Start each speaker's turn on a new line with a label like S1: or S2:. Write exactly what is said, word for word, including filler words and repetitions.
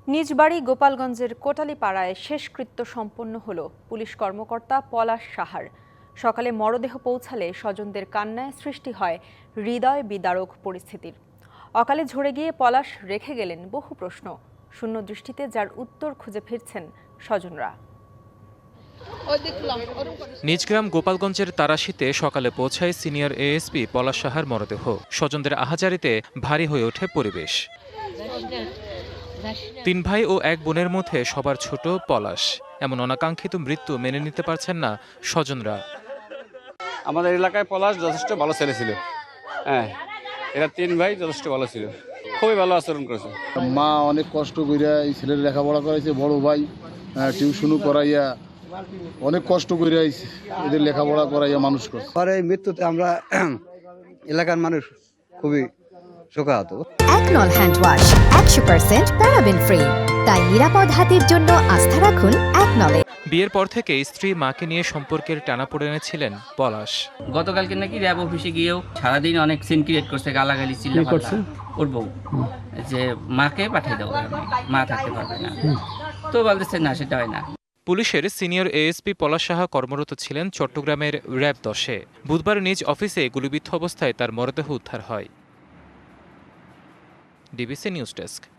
S1: নিজ বাড়ি গোপালগঞ্জের কোটালীপাড়ায় শেষকৃত্য সম্পন্ন হল পুলিশ কর্মকর্তা পলাশ সাহার। সকালে মরদেহ পৌঁছালে স্বজনদের কান্নায় সৃষ্টি হয় হৃদয় বিদারক পরিস্থিতির। অকালে ঝরে গিয়ে পলাশ রেখে গেলেন বহু প্রশ্ন, শূন্য দৃষ্টিতে যার উত্তর খুঁজে ফিরছেন স্বজনরা।
S2: নিজ গ্রাম গোপালগঞ্জের তারাশীতে সকালে পৌঁছায় সিনিয়র এএসপি পলাশ সাহার মরদেহ। স্বজনদের আহাজারিতে ভারী হয়ে ওঠে পরিবেশ। তিন ভাই ও এক বোনের মধ্যে সবার ছোট পলাশ। এমন অনাকাঙ্ক্ষিত মৃত্যু মেনে নিতে পারছেন না স্বজনরা।
S3: আমাদের এলাকায় পলাশ যথেষ্ট ভালো ছেলে ছিল। হ্যাঁ, এরা তিন ভাই যথেষ্ট ভালো ছিল, খুবই ভালো আচরণ করেছে।
S4: মা অনেক কষ্ট কইরা এই ছেলের লেখাপড়া করাইছে, বড় ভাই টিউশনও করাইয়া অনেক কষ্ট কইরা এদের লেখাপড়া করাইয়া মানুষ করছে।
S5: আর এই মৃত্যুতে আমরা এলাকার মানুষ খুবই শোকাহত।
S6: একনল হ্যান্ড ওয়াশ একশো পার্সেন্ট প্যারাবেন ফ্রি, তাই নিরাপদ হাতের জন্য আস্থা রাখুন একনলে।
S2: বিয়ের পর থেকে স্ত্রী মাকে নিয়ে সম্পর্কের টানাপোড়েনে ছিলেন পলাশ।
S7: গতকালকে নাকি র্যাব অফিসে গিয়েও সারাদিন অনেক সিন ক্রিয়েট করছে, গালাগালি চিল্লা করছে ওর বউ, যে মাকে পাঠিয়ে দেবো, মা থাকতে পারবে না। তো বলতেছে না, সেটা হয় না।
S2: পুলিশের সিনিয়র এএসপি পলাশ সাহা কর্মরত ছিলেন চট্টগ্রামের র্যাব দশে। বুধবার নিজ অফিসে গুলিবিদ্ধ অবস্থায় তার মরদেহ উদ্ধার হয়। DBC news desk.